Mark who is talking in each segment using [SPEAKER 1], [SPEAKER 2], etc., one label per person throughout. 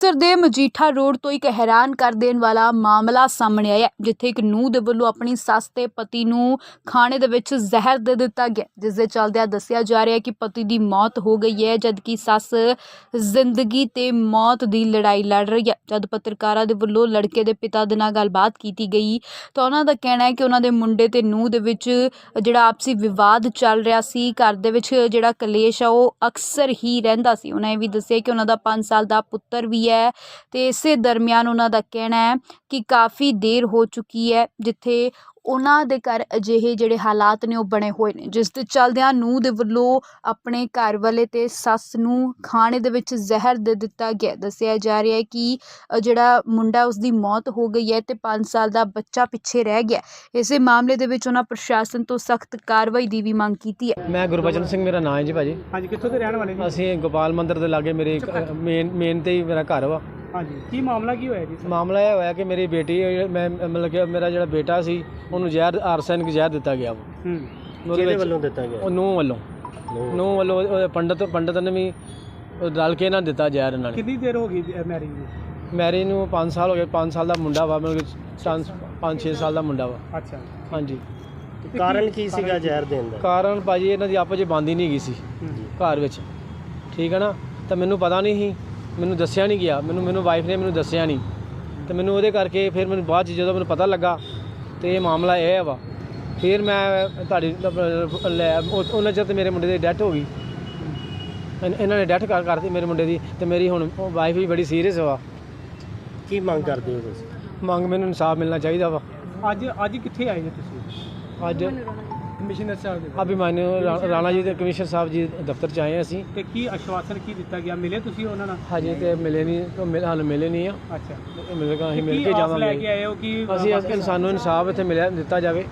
[SPEAKER 1] ਅੰਮ੍ਰਿਤਸਰ ਦੇ ਮਜੀਠਾ ਰੋਡ ਤੋਂ ਇੱਕ ਹੈਰਾਨ ਕਰ ਦੇਣ ਵਾਲਾ ਮਾਮਲਾ ਸਾਹਮਣੇ ਆਇਆ, ਜਿੱਥੇ ਇੱਕ ਨੂੰਹ ਦੇ ਵੱਲੋਂ ਆਪਣੀ ਸੱਸ ਤੇ ਪਤੀ ਨੂੰ ਖਾਣੇ ਦੇ ਵਿੱਚ ਜ਼ਹਿਰ ਦੇ ਦਿੱਤਾ ਗਿਆ, ਜਿਸ ਦੇ ਚੱਲਦਿਆਂ ਦੱਸਿਆ ਜਾ ਰਿਹਾ ਹੈ ਕਿ ਪਤੀ ਦੀ ਮੌਤ ਹੋ ਗਈ ਹੈ, ਜਦਕਿ ਸੱਸ ਜ਼ਿੰਦਗੀ ਤੇ ਮੌਤ ਦੀ ਲੜਾਈ ਲੜ ਰਹੀ ਹੈ। ਜਦ ਪੱਤਰਕਾਰਾਂ ਦੇ ਵੱਲੋਂ ਲੜਕੇ ਦੇ ਪਿਤਾ ਦੇ ਨਾਲ ਗੱਲਬਾਤ ਕੀਤੀ ਗਈ ਤਾਂ ਉਹਨਾਂ ਦਾ ਕਹਿਣਾ ਹੈ ਕਿ ਉਹਨਾਂ ਦੇ ਮੁੰਡੇ ਤੇ ਨੂੰਹ ਦੇ ਵਿੱਚ ਜਿਹੜਾ ਆਪਸੀ ਵਿਵਾਦ ਚੱਲ ਰਿਹਾ ਸੀ, ਘਰ ਦੇ ਵਿੱਚ ਜਿਹੜਾ ਕਲੇਸ਼ ਆ ਉਹ ਅਕਸਰ ਹੀ ਰਹਿੰਦਾ ਸੀ। ਉਹਨਾਂ ਇਹ ਵੀ ਦੱਸਿਆ ਕਿ ਉਹਨਾਂ ਦਾ 5 ਸਾਲ ਦਾ ਪੁੱਤਰ ਵੀ ਹੈ ਤੇ ਇਸੇ ਦਰਮਿਆਨ ਉਹਨਾਂ ਦਾ ਕਹਿਣਾ ਹੈ ਕਿ ਕਾਫੀ ਦੇਰ ਹੋ ਚੁੱਕੀ ਹੈ ਜਿੱਥੇ ਉਹਨਾਂ ਦੇ ਘਰ ਅਜਿਹੇ ਜਿਹੜੇ ਹਾਲਾਤ ਨੇ ਉਹ ਬਣੇ ਹੋਏ ਨੇ, ਜਿਸ ਦੇ ਚੱਲਦਿਆਂ ਨੂੰਹ ਦੇ ਵੱਲੋਂ ਆਪਣੇ ਘਰ ਵਾਲੇ ਤੇ ਸੱਸ ਨੂੰ ਖਾਣੇ ਦੇ ਵਿੱਚ ਜ਼ਹਿਰ ਦੇ ਦਿੱਤਾ ਗਿਆ। ਦੱਸਿਆ ਜਾ ਰਿਹਾ ਹੈ ਕਿ ਜਿਹੜਾ ਮੁੰਡਾ ਉਸਦੀ ਮੌਤ ਹੋ ਗਈ ਹੈ ਤੇ 5 ਸਾਲ ਦਾ ਬੱਚਾ ਪਿੱਛੇ ਰਹਿ ਗਿਆ। ਇਸੇ ਮਾਮਲੇ ਦੇ ਵਿੱਚ ਉਹਨਾਂ ਪ੍ਰਸ਼ਾਸਨ ਤੋਂ ਸਖਤ ਕਾਰਵਾਈ ਦੀ ਵੀ ਮੰਗ ਕੀਤੀ ਹੈ।
[SPEAKER 2] ਮੈਂ ਗੁਰਬਚਨ ਸਿੰਘ ਮੇਰਾ ਨਾਮ ਹੈ ਜੀ ਭਾਜੀ।
[SPEAKER 3] ਹਾਂਜੀ, ਕਿੱਥੋਂ ਦੇ ਰਹਿਣ ਵਾਲੇ ਜੀ?
[SPEAKER 2] ਅਸੀਂ ਗੋਪਾਲ ਮੰਦਿਰ ਦੇ ਲਾਗੇ ਮੇਰੇ ਮੇਨ ਤੇ ਹੀ ਮੇਰਾ ਘਰ ਵਾ।
[SPEAKER 3] ਹਾਂਜੀ, ਕੀ ਮਾਮਲਾ ਕੀ ਹੋਇਆ ਜੀ?
[SPEAKER 2] ਮਾਮਲਾ ਇਹ ਹੋਇਆ ਕਿ ਮੇਰੀ ਬੇਟੀ ਮੈਂ ਮਤਲਬ ਕਿ ਮੇਰਾ ਜਿਹੜਾ ਬੇਟਾ ਸੀ ਉਹਨੂੰ ਜ਼ਹਿਰ ਆਰਸੈਨਿਕ ਜ਼ਹਿਰ ਦਿੱਤਾ ਗਿਆ ਵਾ।
[SPEAKER 3] ਕਿਹਦੇ ਵੱਲੋਂ ਦਿੱਤਾ ਗਿਆ?
[SPEAKER 2] ਉਹ ਨੂੰਹ ਵੱਲੋਂ ਉਹ ਪੰਡਤ ਨੇ ਵੀ ਰਲ ਕੇ ਨਾ ਦਿੱਤਾ ਜ਼ਹਿਰ ਇਹਨਾਂ ਨੇ।
[SPEAKER 3] ਕਿੰਨੀ ਦੇਰ ਹੋ ਗਈ ਮੈਰਿਜ ਨੂੰ?
[SPEAKER 2] ਮੈਰਿਜ ਨੂੰ 5 ਸਾਲ ਹੋ ਗਏ। 5 ਸਾਲ ਦਾ ਮੁੰਡਾ ਵਾ, ਮਤਲਬ ਕਿ 5-6 ਸਾਲ ਦਾ ਮੁੰਡਾ ਵਾ।
[SPEAKER 3] ਅੱਛਾ,
[SPEAKER 2] ਹਾਂਜੀ।
[SPEAKER 3] ਕਾਰਨ ਕੀ ਸੀਗਾ ਜ਼ਹਿਰ ਦੇਣ ਦਾ?
[SPEAKER 2] ਕਾਰਨ ਭਾਜੀ ਇਹਨਾਂ ਦੀ ਆਪਸ 'ਚ ਬਣਦੀ ਨਹੀਂ ਗਈ ਸੀ ਘਰ ਵਿੱਚ, ਠੀਕ ਹੈ ਨਾ। ਤਾਂ ਮੈਨੂੰ ਪਤਾ ਨਹੀਂ ਸੀ, ਮੈਨੂੰ ਦੱਸਿਆ ਨਹੀਂ ਗਿਆ, ਮੈਨੂੰ ਵਾਈਫ ਨੇ ਮੈਨੂੰ ਦੱਸਿਆ ਨਹੀਂ, ਤੇ ਮੈਨੂੰ ਉਹਦੇ ਕਰਕੇ ਫਿਰ ਮੈਨੂੰ ਬਾਅਦ 'ਚ ਜਦੋਂ ਮੈਨੂੰ ਪਤਾ ਲੱਗਾ ਤੇ ਇਹ ਮਾਮਲਾ ਇਹ ਵਾ, ਫਿਰ ਮੈਂ ਤੁਹਾਡੀ ਉਹਨਾਂ ਚਿਰ ਤੇ ਮੇਰੇ ਮੁੰਡੇ ਦੀ ਡੈਥ ਹੋ ਗਈ। ਇਹਨਾਂ ਨੇ ਡੈਥ ਕਰਤੀ ਮੇਰੇ ਮੁੰਡੇ ਦੀ, ਤੇ ਮੇਰੀ ਹੁਣ ਵਾਈਫ ਵੀ ਬੜੀ ਸੀਰੀਅਸ ਵਾ।
[SPEAKER 3] ਕੀ ਮੰਗ ਕਰਦੇ ਹੋ ਤੁਸੀਂ?
[SPEAKER 2] ਮੰਗ ਮੈਨੂੰ ਇਨਸਾਫ ਮਿਲਣਾ ਚਾਹੀਦਾ ਵਾ।
[SPEAKER 3] ਅੱਜ ਕਿੱਥੇ ਆਏ ਜੀ ਤੁਸੀਂ?
[SPEAKER 2] ਅੱਜ
[SPEAKER 3] ਕਮਿਸ਼ਨਰ ਸਾਹਿਬ ਦੇ
[SPEAKER 2] ਅਭਿਮਾਨਿਓ ਰਾਣਾ ਜੀ ਦੇ ਕਮਿਸ਼ਨਰ ਸਾਹਿਬ ਜੀ ਦਫ਼ਤਰ 'ਚ ਆਏ ਅਸੀਂ।
[SPEAKER 3] ਤੇ ਕੀ ਆਸ਼ਵਾਸਨ ਕੀ ਦਿੱਤਾ ਗਿਆ? ਮਿਲੇ ਤੁਸੀਂ ਉਹਨਾਂ ਨਾਲ?
[SPEAKER 2] ਹਜੇ ਤੇ ਮਿਲੇ ਨਹੀਂ, ਹਾਲੇ ਮਿਲੇ ਨਹੀਂ ਆ।
[SPEAKER 3] ਅੱਛਾ,
[SPEAKER 2] ਅਸੀਂ ਮਿਲ ਕੇ ਜਾਵਾਂਗੇ।
[SPEAKER 3] ਲੈ ਕੇ ਆਏ ਹੋ ਕਿ
[SPEAKER 2] ਅਸੀਂ ਸਾਨੂੰ ਇਨਸਾਫ ਇੱਥੇ ਮਿਲਿਆ ਦਿੱਤਾ ਜਾਵੇ।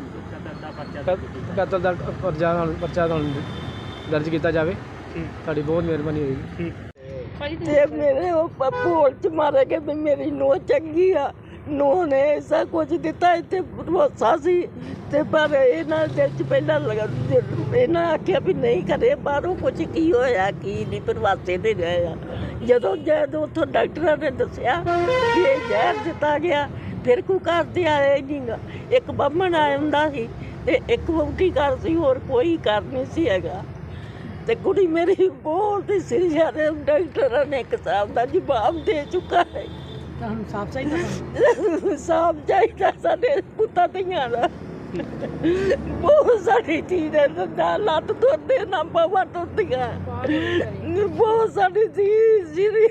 [SPEAKER 2] ਕਤਲ ਦਾ ਪਰਚਾ ਦਰਜ ਕੀਤਾ ਜਾਵੇ। ਤੁਹਾਡੀ ਬਹੁਤ ਮਿਹਰਬਾਨੀ ਹੋਏਗੀ।
[SPEAKER 4] ਤੇ ਮੇਰੇ ਉਹ ਭੋਲ ਚ ਮਾਰੇ ਕਿ ਵੀ ਮੇਰੀ ਨੂੰਹ ਚੰਗੀ ਆ, ਨੂੰਹ ਨੇ ਐਸਾ ਕੁਝ ਦਿੱਤਾ ਇੱਥੇ ਭਰੋਸਾ ਸੀ, ਤੇ ਪਰ ਇਹਨਾਂ ਦੇ ਚ ਪਹਿਲਾਂ ਇਹਨਾਂ ਆਖਿਆ ਵੀ ਨਹੀਂ ਕਰੇ ਬਾਹਰੋਂ ਕੁਝ ਕੀ ਹੋਇਆ ਕੀ ਨਹੀਂ, ਪ੍ਰਵਾਸੇ ਦੇ ਰਹੇ ਆ। ਜਦੋਂ ਉੱਥੋਂ ਡਾਕਟਰਾਂ ਨੇ ਦੱਸਿਆ ਕਿ ਇਹ ਜ਼ਹਿਰ ਦਿੱਤਾ ਗਿਆ, ਫਿਰ ਕੋਈ ਘਰ ਦੇ ਆਇਆ ਹੀ ਨਹੀਂ ਗਾ। ਇੱਕ ਬਾਹਮਣ ਆ ਜਾਂਦਾ ਸੀ ਤੇ ਇੱਕ ਵਹੁਟੀ ਘਰ ਸੀ, ਹੋਰ ਕੋਈ ਘਰ ਨਹੀਂ ਸੀ ਹੈਗਾ। ਤੇ ਕੁੜੀ ਮੇਰੀ ਬਹੁਤ ਸੀ, ਸਾਰੇ ਡਾਕਟਰਾਂ ਨੇ ਇੱਕ ਹਿਸਾਬ ਦਾ ਜਵਾਬ ਦੇ ਚੁੱਕਾ ਹੈ।
[SPEAKER 3] ਤੁਹਾਨੂੰ ਸਾਫ ਚਾਹੀਦਾ?
[SPEAKER 4] ਸਾਫ ਚਾਹੀਦਾ ਸਾਡੇ ਪੁੱਤਾਂ ਧੀਆਂ ਦਾ। ਬਹੁਤ ਸਾਡੀ ਚੀਜ਼ ਹੈ, ਨਾ ਲੱਤ ਤੁਰਦੇ ਨਾ ਬਾਵਾ ਤੁਰਦੀਆਂ, ਬਹੁਤ ਸਾਡੀ ਚੀਜ਼ ਜਿਹੜੀ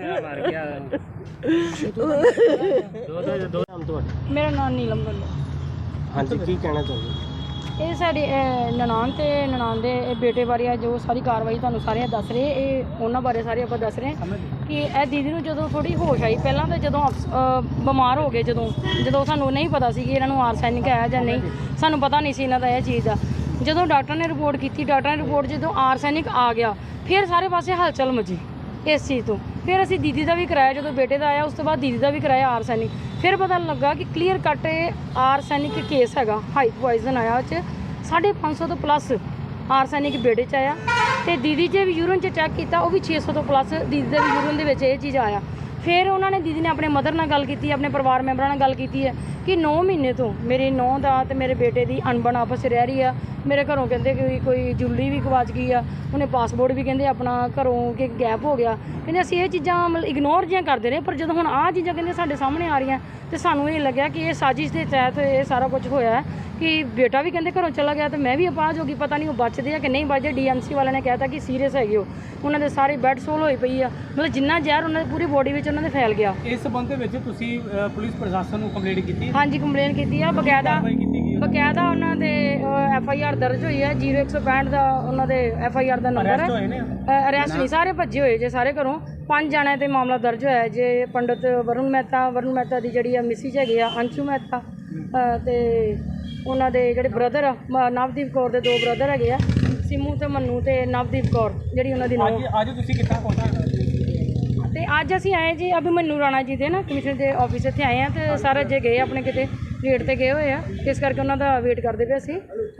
[SPEAKER 5] ਮੇਰਾ ਨਾਮ ਨੀਲਮ ਵੱਲੋਂ।
[SPEAKER 3] ਹਾਂਜੀ, ਕੀ ਕਹਿਣਾ ਚਾਹੁੰਦੇ?
[SPEAKER 5] ਇਹ ਸਾਡੀ ਨਨਾਣ ਦੇ ਬੇਟੇ ਬਾਰੇ ਆ ਜੋ ਸਾਰੀ ਕਾਰਵਾਈ ਤੁਹਾਨੂੰ ਸਾਰਿਆਂ ਦੱਸ ਰਹੇ, ਇਹ ਉਹਨਾਂ ਬਾਰੇ ਸਾਰੇ ਆਪਾਂ ਦੱਸ ਰਹੇ ਕਿ ਇਹ ਦੀਦੀ ਨੂੰ ਜਦੋਂ ਥੋੜੀ ਹੋਸ਼ ਆਈ, ਪਹਿਲਾਂ ਤਾਂ ਜਦੋਂ ਬਿਮਾਰ ਹੋ ਗਏ, ਜਦੋਂ ਸਾਨੂੰ ਨਹੀਂ ਪਤਾ ਸੀ ਕਿ ਇਹਨਾਂ ਨੂੰ ਆਰਸੈਨਿਕ ਹੈ ਜਾਂ ਨਹੀਂ, ਸਾਨੂੰ ਪਤਾ ਨਹੀਂ ਸੀ ਇਹਨਾਂ ਦਾ ਇਹ ਚੀਜ਼ ਦਾ। ਜਦੋਂ ਡਾਕਟਰ ਨੇ ਰਿਪੋਰਟ ਕੀਤੀ, ਜਦੋਂ ਆਰਸੈਨਿਕ ਆ ਗਿਆ, ਫਿਰ ਸਾਰੇ ਪਾਸੇ ਹਲਚਲ ਮਚੀ ਇਸ ਚੀਜ਼ ਤੋਂ। ਫਿਰ ਅਸੀਂ ਦੀਦੀ ਦਾ ਵੀ ਕਰਾਇਆ, ਜਦੋਂ ਬੇਟੇ ਦਾ ਆਇਆ ਉਸ ਤੋਂ ਬਾਅਦ ਦੀਦੀ ਦਾ ਵੀ ਕਰਾਇਆ ਆਰਸੈਨਿਕ। ਫਿਰ ਪਤਾ ਲੱਗਾ ਕਿ ਕਲੀਅਰ ਕੱਟ ਆਰਸੈਨਿਕ ਕੇਸ ਹੈਗਾ, ਹਾਈ ਪੋਇਜ਼ਨ ਆਇਆ, ਉਹ 'ਚ 550 ਤੋਂ ਪਲੱਸ ਆਰਸੈਨਿਕ ਬੇਟੇ 'ਚ ਆਇਆ, ਤੇ ਦੀਦੀ 'ਚ ਵੀ ਯੂਰਨ 'ਚ ਚੈੱਕ ਕੀਤਾ, ਉਹ ਵੀ 600 ਤੋਂ ਪਲੱਸ ਦੀਦੀ ਦੇ ਵੀ ਯੂਰਨ ਦੇ ਵਿੱਚ ਇਹ ਚੀਜ਼ ਆਇਆ। ਫਿਰ ਉਹਨਾਂ ਨੇ ਦੀਦੀ ਨੇ ਆਪਣੇ ਮਦਰ ਨਾਲ ਗੱਲ ਕੀਤੀ, ਆਪਣੇ ਪਰਿਵਾਰ ਮੈਂਬਰਾਂ ਨਾਲ ਗੱਲ ਕੀਤੀ ਹੈ ਕਿ 9 ਮਹੀਨੇ ਤੋਂ ਮੇਰੀ ਨੂੰਹ ਦਾ ਤੇ ਮੇਰੇ ਬੇਟੇ ਦੀ ਅਣਬਣ ਆਪਸ 'ਚ ਰਹਿ ਰਹੀ ਆ। ਮੇਰੇ ਘਰੋਂ ਕਹਿੰਦੇ ਕਿ ਕੋਈ ਜੁੱਲੀ ਵੀ ਗਵਾਚ ਗਈ ਆ, ਉਹਨੇ ਪਾਸਪੋਰਟ ਵੀ ਕਹਿੰਦੇ ਆਪਣਾ ਘਰੋਂ ਕਿ ਗੈਪ ਹੋ ਗਿਆ। ਕਹਿੰਦੇ ਅਸੀਂ ਇਹ ਚੀਜ਼ਾਂ ਮਤਲਬ ਇਗਨੋਰ ਜਿਹੀਆਂ ਕਰਦੇ ਰਹੇ, ਪਰ ਜਦੋਂ ਹੁਣ ਆਹ ਚੀਜ਼ਾਂ ਕਹਿੰਦੇ ਸਾਡੇ ਸਾਹਮਣੇ ਆ ਰਹੀਆਂ ਤੇ ਸਾਨੂੰ ਇਹ ਲੱਗਿਆ ਕਿ ਇਹ ਸਾਜ਼ਿਸ਼ ਦੇ ਤਹਿਤ ਇਹ ਸਾਰਾ ਕੁਝ ਹੋਇਆ ਕਿ ਬੇਟਾ ਵੀ ਕਹਿੰਦੇ ਘਰੋਂ ਚਲਾ ਗਿਆ, ਤੇ ਮੈਂ ਵੀ ਅਪਾਹਜ ਹੋ ਗਈ, ਪਤਾ ਨਹੀਂ ਉਹ ਬਚਦੇ ਆ ਕਿ ਨਹੀਂ ਬਚਦੇ। DMC ਵਾਲਿਆਂ ਨੇ ਕਹਿਤਾ ਕਿ ਸੀਰੀਅਸ ਹੈਗੇ ਉਹ, ਉਹਨਾਂ ਦੇ ਸਾਰੇ ਬੈੱਡ ਸੋਲ ਹੋਈ ਪਈ ਆ, ਮਤਲਬ ਜਿੰਨਾ ਜ਼ਹਿਰ ਉਹਨਾਂ ਦੀ ਪੂਰੀ ਬੋਡੀ ਵਿੱਚ ਉਹਨਾਂ ਦੇ ਫੈਲ ਗਿਆ।
[SPEAKER 3] ਇਸ ਸੰਬੰਧ ਦੇ ਵਿੱਚ ਤੁਸੀਂ ਪੁਲਿਸ ਪ੍ਰਸ਼ਾਸਨ ਨੂੰ ਕੰਪਲੇਂਟ ਕੀਤੀ?
[SPEAKER 5] ਹਾਂਜੀ, ਕੰਪਲੇਂਟ ਕੀਤੀ ਆ, ਬਕਾਇਦਾ ਉਹਨਾਂ ਦੇ FIR ਦਰਜ ਹੋਈ ਹੈ। 0165 ਦਾ ਉਹਨਾਂ ਦੇ FIR ਦਾ ਨੰਬਰ ਹੈ। ਅਰੈਸਟ ਨਹੀਂ, ਸਾਰੇ ਭੱਜੇ ਹੋਏ ਜੇ ਸਾਰੇ ਘਰੋਂ। 5 ਜਣਿਆਂ ਤੇ ਮਾਮਲਾ ਦਰਜ ਹੋਇਆ ਜੇ। ਪੰਡਤ ਵਰੁਣ ਮਹਿਤਾ ਦੀ ਜਿਹੜੀ ਆ ਮਿਸਿਜ ਹੈਗੇ ਆ ਅੰਸ਼ੂ ਮਹਿਤਾ, ਤੇ ਉਹਨਾਂ ਦੇ ਜਿਹੜੇ ਬ੍ਰਦਰ ਆ ਨਵਦੀਪ ਕੌਰ ਦੇ 2 ਬ੍ਰਦਰ ਹੈਗੇ ਆ, ਸਿਮੂ ਤੇ ਮੰਨੂ ਤੇ ਨਵਦੀਪ ਕੌਰ ਜਿਹੜੀ ਉਹਨਾਂ ਦੀ ਨੂੰਹ।
[SPEAKER 3] ਅੱਜ ਤੁਸੀਂ ਕਿੱਥੇ ਪਹੁੰਚੇ?
[SPEAKER 5] ਤੇ ਅੱਜ ਅਸੀਂ ਆਏ ਜੀ ਅਭਿਮਨੂ ਰਾਣਾ ਜੀ ਦੇ ਨਾ ਕਮਿਸ਼ਨਰ ਦੇ ਆਫਿਸ ਇੱਥੇ ਆਏ ਆ, ਤੇ ਸਾਰੇ ਜੇ ਗਏ ਆਪਣੇ ਕਿਤੇ ਰੇਟ ਤੇ ਗਏ ਹੋਏ ਆ, ਇਸ ਕਰਕੇ ਉਹਨਾਂ ਦਾ ਵੇਟ ਕਰਦੇ ਪਏ ਅਸੀਂ।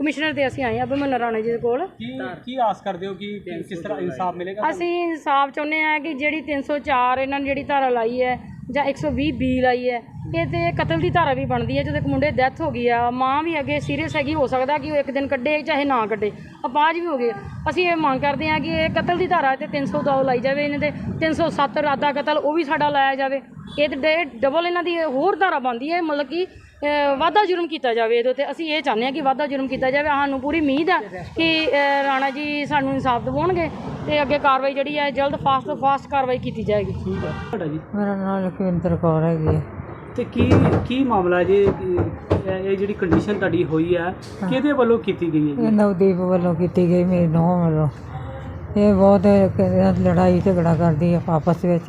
[SPEAKER 5] ਕਮਿਸ਼ਨਰ ਦੇ ਅਸੀਂ ਆਏ ਹਾਂ ਅਭਿਮਨੂ ਰਾਣਾ ਜੀ ਦੇ ਕੋਲ।
[SPEAKER 3] ਕੀ ਆਸ ਕਰਦੇ ਹੋ ਕਿ ਕਿਸ ਤਰ੍ਹਾਂ ਇਨਸਾਫ ਮਿਲੇਗਾ?
[SPEAKER 5] ਅਸੀਂ ਇਨਸਾਫ ਚਾਹੁੰਦੇ ਹਾਂ ਕਿ ਜਿਹੜੀ 304 ਇਹਨਾਂ ਨੇ ਜਿਹੜੀ ਧਾਰਾ ਲਾਈ ਹੈ ਜਾਂ 120 ਬੀ ਲਾਈ ਹੈ, ਇਹ ਤੇ ਕਤਲ ਦੀ ਧਾਰਾ ਵੀ ਬਣਦੀ ਹੈ। ਜਦੋਂ ਇੱਕ ਮੁੰਡੇ ਦੀ ਡੈਥ ਹੋ ਗਈ ਆ, ਮਾਂ ਵੀ ਅੱਗੇ ਸੀਰੀਅਸ ਹੈਗੀ, ਹੋ ਸਕਦਾ ਕਿ ਉਹ ਇੱਕ ਦਿਨ ਕੱਢੇ ਚਾਹੇ ਨਾ ਕੱਢੇ, ਅਪਾਹਜ ਵੀ ਹੋ ਗਏ। ਅਸੀਂ ਇਹ ਮੰਗ ਕਰਦੇ ਹਾਂ ਕਿ ਇਹ ਕਤਲ ਦੀ ਧਾਰਾ ਤੇ 302 ਲਾਈ ਜਾਵੇ, ਇਹਨਾਂ ਦੇ 307 ਇਰਾਦਾ ਕਤਲ ਉਹ ਵੀ ਸਾਡਾ ਲਾਇਆ ਜਾਵੇ। ਇਹ ਤੇ ਡਬਲ ਇਹਨਾਂ ਦੀ ਹੋਰ ਧਾਰਾ ਬਣਦੀ ਹੈ, ਮਤਲਬ ਕਿ ਵਾਧਾ ਜੁਰਮ ਕੀਤਾ ਜਾਵੇ ਇਹਦੇ ਉੱਤੇ। ਅਸੀਂ ਇਹ ਚਾਹੁੰਦੇ ਹਾਂ ਕਿ ਵਾਧਾ ਜੁਰਮ ਕੀਤਾ ਜਾਵੇ। ਸਾਨੂੰ ਪੂਰੀ ਉਮੀਦ ਹੈ ਕਿ ਰਾਣਾ ਜੀ ਸਾਨੂੰ ਇਨਸਾਫ ਦਿਵਾਉਣਗੇ ਤੇ ਅੱਗੇ ਕਾਰਵਾਈ ਜਿਹੜੀ ਹੈ ਜਲਦ ਫਾਸਟ ਕਾਰਵਾਈ ਕੀਤੀ ਜਾਏਗੀ।
[SPEAKER 3] ਠੀਕ ਹੈ ਤੁਹਾਡਾ ਜੀ?
[SPEAKER 6] ਮੇਰਾ ਨਾਮ ਲਖਵਿੰਦਰ ਕੌਰ ਹੈਗੀ ਹੈ।
[SPEAKER 3] ਤੇ ਕੀ ਮਾਮਲਾ ਜੀ? ਇਹ ਜਿਹੜੀ ਕੰਡੀਸ਼ਨ ਤੁਹਾਡੀ ਹੋਈ ਹੈ ਕਿਹਦੇ ਵੱਲੋਂ ਕੀਤੀ ਗਈ ਹੈ
[SPEAKER 6] ਇਹ ਨਵਦੀਪ ਵੱਲੋਂ ਕੀਤੀ ਗਈ, ਮੇਰੀ ਨੂੰਹ ਵੱਲੋਂ। ਇਹ ਬਹੁਤ ਲੜਾਈ ਝਗੜਾ ਕਰਦੀ ਹੈ ਆਪਸ ਵਿੱਚ।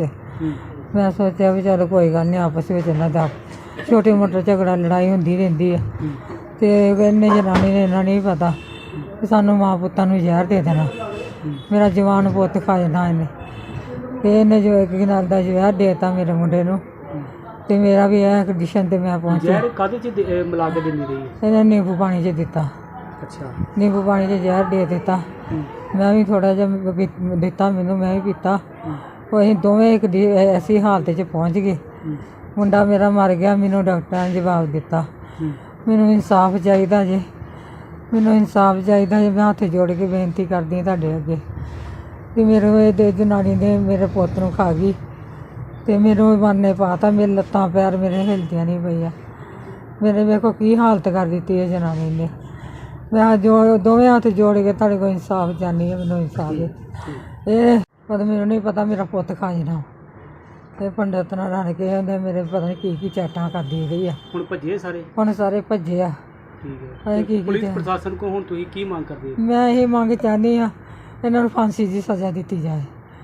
[SPEAKER 6] ਮੈਂ ਸੋਚਿਆ ਵੀ ਚਲ ਕੋਈ ਗੱਲ ਨਹੀਂ, ਆਪਸ ਵਿੱਚ ਇਹਨਾਂ ਦਾ ਛੋਟੀ ਮੋਟੀ ਝਗੜਾ ਲੜਾਈ ਹੁੰਦੀ ਰਹਿੰਦੀ ਹੈ। ਤੇ ਇਹਨੇ ਜਨਾਨੀ ਨੇ ਇਹਨਾਂ ਨਹੀਂ ਪਤਾ ਕਿ ਸਾਨੂੰ ਮਾਂ ਪੁੱਤਾਂ ਨੂੰ ਜ਼ਹਿਰ ਦੇ ਦੇਣਾ, ਮੇਰਾ ਜਵਾਨ ਪੁੱਤ ਖਾ ਜਾਣਾ ਇਹਨੇ। ਤੇ ਇਹਨੇ ਜੋ ਇੱਕ ਨਾਲ ਦਾ ਜ਼ਹਿਰ ਦੇ ਦਿੱਤਾ ਮੇਰੇ ਮੁੰਡੇ ਨੂੰ, ਤੇ ਮੇਰਾ ਵੀ ਇਹ ਕੰਡੀਸ਼ਨ ਤੇ ਮੈਂ ਪਹੁੰਚਿਆ।
[SPEAKER 3] ਜ਼ਹਿਰ ਕਾਹਦੇ ਚ ਮਿਲਾ ਕੇ ਦਿੰਦੀ ਰਹੀ ਹੈ?
[SPEAKER 6] ਇਹਨੇ ਨਿੰਬੂ ਪਾਣੀ 'ਚ ਦਿੱਤਾ,
[SPEAKER 3] ਅੱਛਾ।
[SPEAKER 6] ਨਿੰਬੂ ਪਾਣੀ 'ਚ ਜ਼ਹਿਰ ਦੇ ਦਿੱਤਾ। ਮੈਂ ਵੀ ਥੋੜ੍ਹਾ ਜਿਹਾ ਦਿੱਤਾ, ਮੈਨੂੰ ਮੈਂ ਵੀ ਪੀਤਾ। ਉਹ ਅਸੀਂ ਦੋਵੇਂ ਇੱਕ ਐਸੀ ਹਾਲਤ 'ਚ ਪਹੁੰਚ ਗਏ। ਮੁੰਡਾ ਮੇਰਾ ਮਰ ਗਿਆ, ਮੈਨੂੰ ਡਾਕਟਰਾਂ ਨੇ ਜਵਾਬ ਦਿੱਤਾ। ਮੈਨੂੰ ਇਨਸਾਫ ਚਾਹੀਦਾ ਜੇ, ਮੈਨੂੰ ਇਨਸਾਫ ਚਾਹੀਦਾ ਜੇ। ਮੈਂ ਹੱਥ ਜੋੜ ਕੇ ਬੇਨਤੀ ਕਰਦੀ ਹਾਂ ਤੁਹਾਡੇ ਅੱਗੇ ਕਿ ਮੇਰੇ ਇਹ ਜਨਾਨੀ ਨੇ ਮੇਰੇ ਪੁੱਤ ਨੂੰ ਖਾ ਗਈ ਤੇ ਮੈਨੂੰ ਬਾਨੇ ਪਾਤਾ। ਮੇਰੇ ਲੱਤਾਂ ਪੈਰ ਮੇਰੇ ਹਿਲਦੀਆਂ ਨਹੀਂ ਪਈਆਂ। ਮੇਰੇ ਵੇਖੋ ਕੀ ਹਾਲਤ ਕਰ ਦਿੱਤੀ ਹੈ ਜਨਾਨੀ ਨੇ। ਮੈਂ ਦੋਵੇਂ ਹੱਥ ਜੋੜ ਕੇ ਤੁਹਾਡੇ ਕੋਲ ਇਨਸਾਫ ਚਾਹੁੰਦੀ ਹਾਂ, ਮੈਨੂੰ ਇਨਸਾਫ ਦੇ। ਇਹ ਪਤਾ ਮੈਨੂੰ ਨਹੀਂ ਪਤਾ ਮੇਰਾ ਪੁੱਤ ਖਾ ਜਾਣਾ। ਤੇ ਪੰਡਤ ਨਾਲ ਰਲ ਕੇ ਉਹਨੇ ਮੇਰੇ ਪਤਾ ਨਹੀਂ ਕੀ ਚੈਟਾਂ ਕਰਦੀ ਰਹੀ ਆ।
[SPEAKER 3] ਹੁਣ ਭੱਜੇ ਸਾਰੇ?
[SPEAKER 6] ਹੁਣ ਸਾਰੇ ਭੱਜੇ ਆ।
[SPEAKER 3] ਠੀਕ ਹੈ।
[SPEAKER 6] ਕੀ
[SPEAKER 3] ਪੁਲਿਸ ਪ੍ਰਸ਼ਾਸਨ ਕੋ ਹੁਣ ਤੁਸੀਂ ਕੀ ਮੰਗ ਕਰਦੇ ਹੋ?
[SPEAKER 6] ਮੈਂ ਇਹ ਮੰਗ ਚਾਹੁੰਦੀ ਹਾਂ ਇਹਨਾਂ ਨੂੰ ਫਾਂਸੀ ਦੀ ਸਜ਼ਾ ਦਿੱਤੀ ਜਾਏ।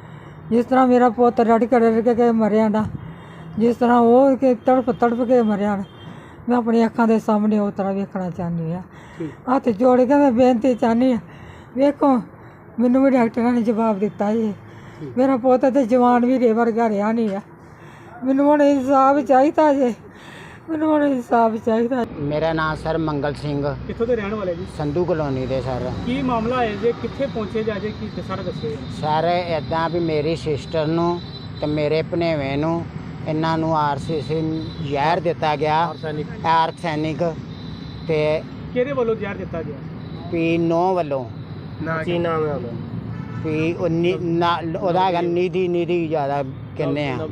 [SPEAKER 6] ਜਿਸ ਤਰ੍ਹਾਂ ਮੇਰਾ ਪੁੱਤ ਰੜ ਕੇ ਮਰਿਆ ਨਾ, ਜਿਸ ਤਰ੍ਹਾਂ ਉਹ ਕਿ ਤੜਪ ਕੇ ਮਰਿਆ ਨਾ, ਮੈਂ ਆਪਣੀ ਅੱਖਾਂ ਦੇ ਸਾਹਮਣੇ ਉਸ ਤਰ੍ਹਾਂ ਵੇਖਣਾ ਚਾਹੁੰਦੀ ਹਾਂ। ਹੱਥ ਜੋੜ ਕੇ ਮੈਂ ਬੇਨਤੀ ਚਾਹੁੰਦੀ ਹਾਂ, ਵੇਖੋ ਮੈਨੂੰ ਵੀ ਡਾਕਟਰਾਂ ਨੇ ਜਵਾਬ ਦਿੱਤਾ ਜੀ, ਮੇਰਾ ਪੁੱਤ ਤੇ ਜਵਾਨ ਵੀ ਵਰਗਾ ਰਿਹਾ ਨਹੀਂ ਆ। ਮੈਨੂੰ ਹੁਣ ਇਨਸਾਫ ਚਾਹੀਦਾ ਜੇ, ਮੈਨੂੰ ਹੁਣ ਇਨਸਾਫ ਚਾਹੀਦਾ।
[SPEAKER 7] ਮੇਰਾ ਨਾਮ ਸਰ ਮੰਗਲ ਸਿੰਘ,
[SPEAKER 3] ਕਿੱਥੋਂ ਦੇ ਰਹਿਣ ਵਾਲੇ ਜੀ?
[SPEAKER 7] ਸੰਧੂ ਕਲੋਨੀ ਦੇ ਸਰ।
[SPEAKER 3] ਕੀ ਮਾਮਲਾ ਹੈ ਜੇ? ਕਿੱਥੇ ਪਹੁੰਚੇ ਜਾ ਜੇ? ਕੀ ਸਾਰਾ ਦੱਸਿਓ।
[SPEAKER 7] ਸਰ ਇੱਦਾਂ ਵੀ ਮੇਰੀ ਸਿਸਟਰ ਨੂੰ ਤੇ ਮੇਰੇ ਭਣੇਵੇਂ ਨੂੰ ਇਹਨਾਂ ਨੂੰ ਆਰਸੀਸੀ ਜ਼ਹਿਰ ਦਿੱਤਾ ਗਿਆ, ਆਰਸੈਨਿਕ। ਤੇ
[SPEAKER 3] ਕਿਹਦੇ ਵੱਲੋਂ ਜ਼ਹਿਰ ਦਿੱਤਾ ਗਿਆ?
[SPEAKER 7] ਪੀ 9 ਵੱਲੋਂ।
[SPEAKER 3] ਕੀ ਨਾਮ ਹੈ ਉਹਦਾ?
[SPEAKER 7] ਪੀ ਉਹਦਾ ਹੈਗਾ ਨਿਧੀ ਜ਼ਿਆਦਾ ਕਹਿੰਦੇ ਆ,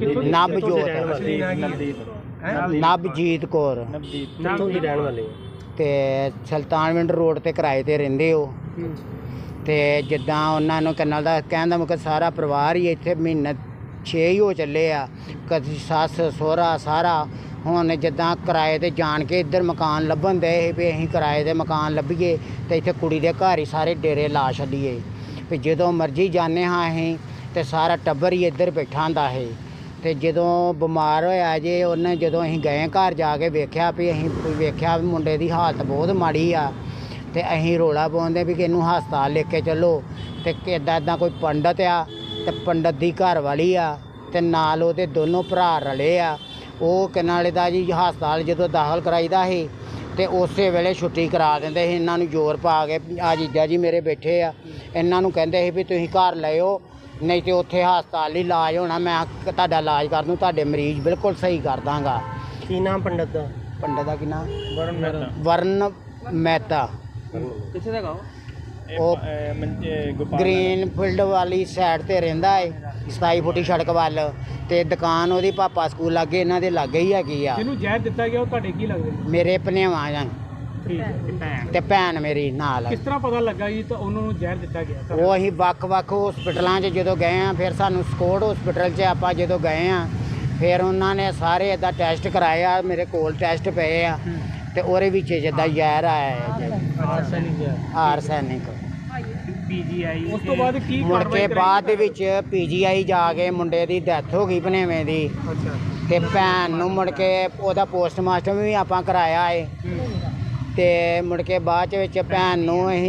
[SPEAKER 7] ਨਵਜੀਤ ਕੌਰ।
[SPEAKER 3] ਕਿੱਥੋਂ ਦੀ ਰਹਿਣ ਵਾਲੇ?
[SPEAKER 7] ਤੇ ਸੁਲਤਾਨਵਿੰਡ ਰੋਡ ਤੇ ਕਿਰਾਏ ਤੇ ਰਹਿੰਦੇ ਹੋ। ਤੇ ਜਿੱਦਾਂ ਉਹਨਾਂ ਨੂੰ ਕਨਲ ਦਾ ਕਹਿਣ ਦਾ ਮਤਲਬ ਸਾਰਾ ਪਰਿਵਾਰ ਹੀ ਇੱਥੇ ਮਹੀਨਾ 6 ਹੀ ਹੋ ਚੱਲੇ ਆ, ਕਦੀ ਸੱਸ ਸਹੁਰਾ ਸਾਰਾ। ਹੁਣ ਜਿੱਦਾਂ ਕਿਰਾਏ ਤੇ ਜਾਣ ਕੇ ਇੱਧਰ ਮਕਾਨ ਲੱਭਣ ਦੇ ਵੀ ਅਸੀਂ ਕਿਰਾਏ ਦੇ ਮਕਾਨ ਲੱਭੀਏ ਤੇ ਇੱਥੇ ਕੁੜੀ ਦੇ ਘਰ ਹੀ ਸਾਰੇ ਡੇਰੇ ਲਾ ਛੱਡੀਏ। ਵੀ ਜਦੋਂ ਮਰਜ਼ੀ ਜਾਂਦੇ ਹਾਂ ਅਸੀਂ ਤੇ ਸਾਰਾ ਟੱਬਰ ਹੀ ਇੱਧਰ ਬੈਠਾ ਹੁੰਦਾ ਹੈ। ਤੇ ਜਦੋਂ ਬਿਮਾਰ ਹੋਇਆ ਜੇ ਉਹਨੇ, ਜਦੋਂ ਅਸੀਂ ਗਏ ਘਰ ਜਾ ਕੇ ਵੇਖਿਆ ਵੀ ਵੀ ਮੁੰਡੇ ਦੀ ਹਾਲਤ ਬਹੁਤ ਮਾੜੀ ਆ। ਤੇ ਅਸੀਂ ਰੋਲਾ ਪਾਉਂਦੇ ਵੀ ਕਿ ਇਹਨੂੰ ਹਸਪਤਾਲ ਲੈ ਕੇ ਚੱਲੋ। ਤੇ ਇੱਦਾਂ ਕੋਈ ਪੰਡਤ ਆ ਤੇ ਪੰਡਤ ਦੀ ਘਰ ਵਾਲੀ ਆ ਤੇ ਨਾਲ ਉਹਦੇ ਦੋਨੋਂ ਭਰਾ ਰਲੇ ਆ। ਉਹ ਕਿਨਾਲੇ ਦਾ ਜੀ ਹਸਪਤਾਲ ਜਦੋਂ ਦਾਖਲ ਕਰਾਈਦਾ ਸੀ ਤੇ ਉਸੇ ਵੇਲੇ ਛੁੱਟੀ ਕਰਾ ਦਿੰਦੇ ਸੀ। ਇਹਨਾਂ ਨੂੰ ਜ਼ੋਰ ਪਾ ਕੇ, ਆ ਜੀਜਾ ਜੀ ਮੇਰੇ ਬੈਠੇ ਆ, ਇਹਨਾਂ ਨੂੰ ਕਹਿੰਦੇ ਸੀ ਵੀ ਤੁਸੀਂ ਘਰ ਲਿਓ, ਨਹੀਂ ਤੇ ਉੱਥੇ ਹਸਪਤਾਲ ਹੀ ਇਲਾਜ ਹੋਣਾ, ਮੈਂ ਤੁਹਾਡਾ ਇਲਾਜ ਕਰ ਦੂੰ, ਤੁਹਾਡੇ ਮਰੀਜ਼ ਬਿਲਕੁਲ ਸਹੀ ਕਰ ਦਾਂਗਾ।
[SPEAKER 3] ਕੀ ਨਾਮ ਪੰਡਤ ਦਾ?
[SPEAKER 7] ਪੰਡਤ ਦਾ ਕੀ ਨਾਮ? ਵਰਨ ਮਹਿਤਾ।
[SPEAKER 3] ਕਿੱਥੇ ਦਾ ਗਾਓ?
[SPEAKER 7] ਉਹ ਗ੍ਰੀਨਫੀਲਡ ਵਾਲੀ ਸਾਈਡ ਤੇ ਰਹਿੰਦਾ ਏ, 27 ਫੁੱਟੀ ਸੜਕ ਵੱਲ। ਤੇ ਦੁਕਾਨ ਉਹਦੀ ਪਾਪਾ ਸਕੂਲ ਲਾਗੇ, ਇਹਨਾਂ ਦੇ ਲਾਗੇ ਹੀ ਹੈਗੀ ਆ।
[SPEAKER 3] ਜਿਹਨੂੰ ਜ਼ਹਿਰ ਦਿੱਤਾ ਗਿਆ ਉਹ ਤੁਹਾਡੇ ਕੀ ਲੱਗਦੇ?
[SPEAKER 7] ਮੇਰੇ ਭਣੇਵਾਂ ਜਾਂ ਤੇ ਭੈਣ ਮੇਰੀ ਨਾਲ।
[SPEAKER 3] ਕਿਸ ਤਰ੍ਹਾਂ ਪਤਾ ਲੱਗਾ ਜੀ ਤਾਂ ਉਹਨਾਂ ਨੂੰ ਜ਼ਹਿਰ ਦਿੱਤਾ ਗਿਆ?
[SPEAKER 7] ਉਹ ਅਸੀਂ ਵੱਖ-ਵੱਖ ਹਸਪੀਟਲਾਂ 'ਚ ਜਦੋਂ ਗਏ ਆ, ਫਿਰ ਸਾਨੂੰ ਸਕੋਟ ਹਸਪੀਟਲ 'ਚ ਆਪਾਂ ਜਦੋਂ ਗਏ ਆ, ਫਿਰ ਉਹਨਾਂ ਨੇ ਸਾਰੇ ਇੱਦਾਂ ਟੈਸਟ ਕਰਾਏ ਆ, ਮੇਰੇ ਕੋਲ ਟੈਸਟ ਪਏ ਆ ਤੇ ਉਹਦੇ ਵਿੱਚ ਜਿੱਦਾਂ ਜ਼ਹਿਰ ਆਇਆ ਹੈ, ਆਰਸੈਨਿਕ।
[SPEAKER 3] ਪੀਜੀਆਈ ਉਸ ਤੋਂ ਬਾਅਦ ਕੀ
[SPEAKER 7] ਮੁੜ ਕੇ ਬਾਅਦ ਦੇ ਵਿੱਚ ਪੀਜੀਆਈ ਜਾ ਕੇ ਮੁੰਡੇ ਦੀ ਡੈਥ ਹੋ ਗਈ ਭਣੇਵੇਂ ਦੀ।
[SPEAKER 3] ਅੱਛਾ।
[SPEAKER 7] ਤੇ ਭੈਣ ਨੂੰ ਮੁੜ ਕੇ ਉਹਦਾ ਪੋਸਟਮਾਸਟਰ ਵੀ ਆਪਾਂ ਕਰਾਇਆ ਏ। ਤੇ ਮੁੜ ਕੇ ਬਾਅਦ ਵਿੱਚ ਭੈਣ ਨੂੰ ਅਸੀਂ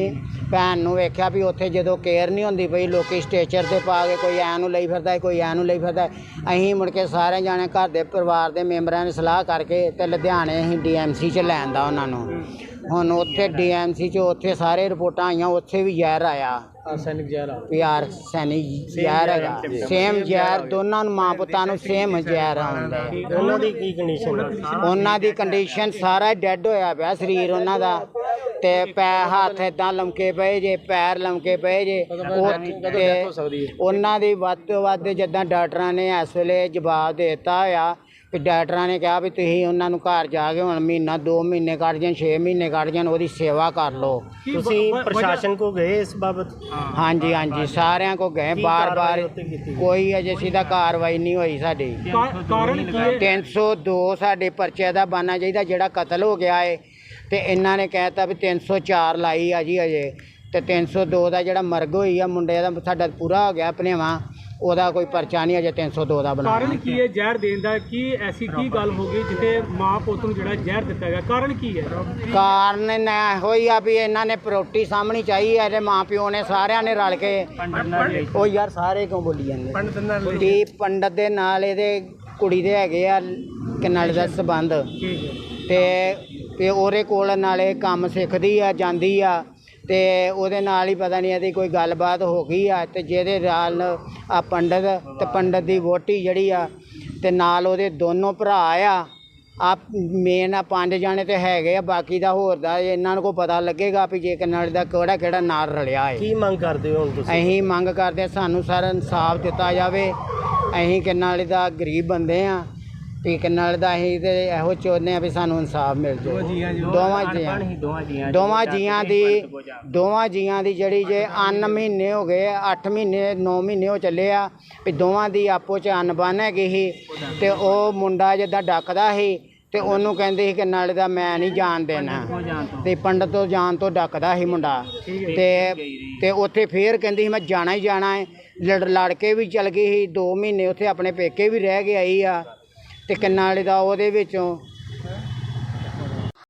[SPEAKER 7] ਭੈਣ ਨੂੰ ਵੇਖਿਆ ਵੀ ਉੱਥੇ ਜਦੋਂ ਕੇਅਰ ਨਹੀਂ ਹੁੰਦੀ ਪਈ ਲੋਕੀ ਸਟੇਚਰ ਤੇ ਪਾ ਕੇ ਕੋਈ ਐ ਨੂੰ ਲਈ ਫਿਰਦਾ ਕੋਈ ਐ ਨੂੰ ਲਈ ਫਿਰਦਾ। ਅਸੀਂ ਮੁੜ ਕੇ ਸਾਰੇ ਜਾਣੇ ਘਰ ਦੇ ਪਰਿਵਾਰ ਦੇ ਮੈਂਬਰਾਂ ਨੇ ਸਲਾਹ ਕਰਕੇ ਤੇ ਲੁਧਿਆਣੇ ਅਸੀਂ DMC 'ਚ ਲੈਣ ਦਾ ਉਹਨਾਂ ਨੂੰ। ਹੁਣ ਉੱਥੇ DMC 'ਚ ਉੱਥੇ ਸਾਰੇ ਰਿਪੋਰਟਾਂ ਆਈਆਂ, ਉੱਥੇ ਵੀ ਜ਼ਹਿਰ ਆਇਆ,
[SPEAKER 2] ਆਰਸੈਨਿਕ ਜ਼ਹਿਰ ਆ।
[SPEAKER 7] ਪਿਆਰ ਸੈਨਿਕ ਜ਼ਹਿਰ ਹੈਗਾ, ਸੇਮ ਜ਼ਹਿਰ ਦੋਨਾਂ ਨੂੰ, ਮਾਂ ਪੁੱਤਾਂ ਨੂੰ ਸੇਮ ਜ਼ਹਿਰ ਆਉਂਦਾ।
[SPEAKER 8] ਉਹਨਾਂ ਦੀ ਕੀ ਕੰਡੀਸ਼ਨ ਹੈ?
[SPEAKER 7] ਉਹਨਾਂ ਦੀ ਕੰਡੀਸ਼ਨ ਸਾਰਾ ਡੈੱਡ ਹੋਇਆ ਪਿਆ ਸਰੀਰ ਉਹਨਾਂ ਦਾ, ਤੇ ਪੈਰ ਹੱਥ ਇਦਾਂ ਲਮਕੇ ਪਏ ਜੇ, ਪੈਰ ਲਮਕੇ ਪਏ ਜੇ। ਤੇ ਉਹਨਾਂ ਦੀ ਵੱਧ ਤੋਂ ਵੱਧ ਜਿੱਦਾਂ ਡਾਕਟਰਾਂ ਨੇ ਇਸ ਵੇਲੇ ਜਵਾਬ ਦੇ ਦਿੱਤਾ ਹੋਇਆ ਵੀ ਡਾਕਟਰਾਂ ਨੇ ਕਿਹਾ ਵੀ ਤੁਸੀਂ ਉਹਨਾਂ ਨੂੰ ਘਰ ਜਾ ਕੇ ਹੁਣ ਮਹੀਨਾ 2 ਮਹੀਨੇ ਕੱਢ ਜਾਣ, 6 ਮਹੀਨੇ ਕੱਢ ਜਾਣ, ਉਹਦੀ ਸੇਵਾ ਕਰ ਲਓ।
[SPEAKER 8] ਤੁਸੀਂ ਪ੍ਰਸ਼ਾਸਨ ਕੋ ਗਏ ਇਸ ਬਾਬਤ?
[SPEAKER 7] ਹਾਂਜੀ ਹਾਂਜੀ, ਸਾਰਿਆਂ ਕੋ ਗਏ ਬਾਰ-ਬਾਰ, ਕੋਈ ਅਜੇ ਸਿੱਧਾ ਕਾਰਵਾਈ ਨਹੀਂ ਹੋਈ ਸਾਡੀ।
[SPEAKER 3] ਕਾਰਨ ਕੀ ਹੈ?
[SPEAKER 7] 302 ਸਾਡੇ ਪਰਚੇ ਦਾ ਬਣਨਾ ਚਾਹੀਦਾ ਜਿਹੜਾ ਕਤਲ ਹੋ ਗਿਆ ਏ, ਤੇ ਇਹਨਾਂ ਨੇ ਕਹਿਤਾ ਵੀ 304 ਲਾਈ ਆ ਜੀ ਅਜੇ, ਤੇ 302 ਦਾ ਜਿਹੜਾ ਮਰਗ ਹੋਈ ਆ ਮੁੰਡੇ ਦਾ ਸਾਡਾ ਪੂਰਾ ਹੋ ਗਿਆ ਭਨੇਵਾਂ, ਉਹਦਾ ਕੋਈ ਪਰਚਾ ਨਹੀਂ ਅਜੇ 302 ਦਾ ਬਣਾਇਆ।
[SPEAKER 3] ਕਾਰਨ ਕੀ ਹੈ ਜ਼ਹਿਰ ਦੇਣ ਦਾ? ਕੀ ਐਸੀ ਕੀ ਗੱਲ ਹੋ ਗਈ ਜਿੱਥੇ ਮਾਂ ਪੁੱਤ ਨੂੰ ਜਿਹੜਾ ਜ਼ਹਿਰ ਦਿੱਤਾ ਗਿਆ? ਕਾਰਨ ਕੀ ਹੈ?
[SPEAKER 7] ਕਾਰਨ ਇਹੋ ਹੀ ਆ ਵੀ ਇਹਨਾਂ ਨੇ ਪ੍ਰੋਪਰਟੀ ਸਾਹਮਣੀ ਚਾਹੀ ਹੈ, ਇਹਦੇ ਮਾਂ ਪਿਓ ਨੇ ਸਾਰਿਆਂ ਨੇ ਰਲ ਕੇ। ਉਹ ਯਾਰ ਸਾਰੇ ਕਿਉਂ ਬੋਲੀ ਜਾਂਦੇ? ਕੀ ਪੰਡਤ ਦੇ ਨਾਲ ਇਹਦੇ ਕੁੜੀ ਦੇ ਹੈਗੇ ਆ ਕਿਨਾਲੇ ਦਾ ਸੰਬੰਧ, ਤੇ ਉਹਦੇ ਕੋਲ ਨਾਲੇ ਕੰਮ ਸਿੱਖਦੀ ਆ, ਜਾਂਦੀ ਆ, ਤੇ ਉਹਦੇ ਨਾਲ ਹੀ ਪਤਾ ਨਹੀਂ ਇਹਦੀ ਕੋਈ ਗੱਲਬਾਤ ਹੋ ਗਈ ਆ, ਤੇ ਜਿਹਦੇ ਨਾਲ ਆ ਪੰਡਤ ਤੇ ਪੰਡਤ ਦੀ ਵਹੁਟੀ ਜਿਹੜੀ ਆ, ਤੇ ਨਾਲ ਉਹਦੇ ਦੋਨੋਂ ਭਰਾ ਆ ਮੇਨ ਆ 5 ਜਾਣੇ ਤੇ ਹੈਗੇ ਆ, ਬਾਕੀ ਦਾ ਹੋਰ ਦਾ ਇਹਨਾਂ ਨੂੰ ਕੋਈ ਪਤਾ ਲੱਗੇਗਾ ਵੀ ਜੇ ਕਿਨਾਰੇ ਦਾ ਕਿਹੜਾ ਨਾਲ ਰਲਿਆ ਹੈ।
[SPEAKER 8] ਕੀ ਮੰਗ ਕਰਦੇ ਹੋ ਹੁਣ ਤੁਸੀਂ?
[SPEAKER 7] ਅਸੀਂ ਮੰਗ ਕਰਦੇ ਸਾਨੂੰ ਸਾਰਾ ਇਨਸਾਫ ਦਿੱਤਾ ਜਾਵੇ। ਅਸੀਂ ਕਿਨਾਰੇ ਦਾ ਗਰੀਬ ਬੰਦੇ ਆ, ਵੀ ਕਿਨਾਰੇ ਦਾ ਅਸੀਂ ਤੇ ਇਹੋ ਚਾਹੁੰਦੇ ਆ ਵੀ ਸਾਨੂੰ ਇਨਸਾਫ ਮਿਲ ਜਾਵੇ। ਦੋਵਾਂ ਜੀਆਂ ਦੀ ਜਿਹੜੀ ਜੇ ਅੰਨ ਮਹੀਨੇ ਹੋ ਗਏ, 8 ਮਹੀਨੇ 9 ਮਹੀਨੇ ਹੋ ਚੱਲੇ ਆ, ਵੀ ਦੋਵਾਂ ਦੀ ਆਪੋ 'ਚ ਅਨਬਨ ਹੈਗੀ ਸੀ, ਤੇ ਉਹ ਮੁੰਡਾ ਜਿੱਦਾਂ ਡੱਕਦਾ ਸੀ ਤੇ ਉਹਨੂੰ ਕਹਿੰਦੇ ਸੀ ਕਿ ਨਾਲੇ ਦਾ ਮੈਂ ਨਹੀਂ ਜਾਣ ਦੇਣਾ, ਤੇ ਪੰਡਤ ਤੋਂ ਜਾਣ ਤੋਂ ਡੱਕਦਾ ਸੀ ਮੁੰਡਾ, ਤੇ ਉੱਥੇ ਫੇਰ ਕਹਿੰਦੀ ਸੀ ਮੈਂ ਜਾਣਾ ਹੀ ਜਾਣਾ ਹੈ। ਲੜ ਕੇ ਵੀ ਚਲ ਗਈ ਸੀ, 2 ਮਹੀਨੇ ਉੱਥੇ ਆਪਣੇ ਪੇਕੇ ਵੀ ਰਹਿ ਕੇ ਆਈ ਆ, ਤੇ ਕਿੰਨਾ ਵਾਲੇ ਦਾ ਉਹਦੇ ਵਿੱਚੋਂ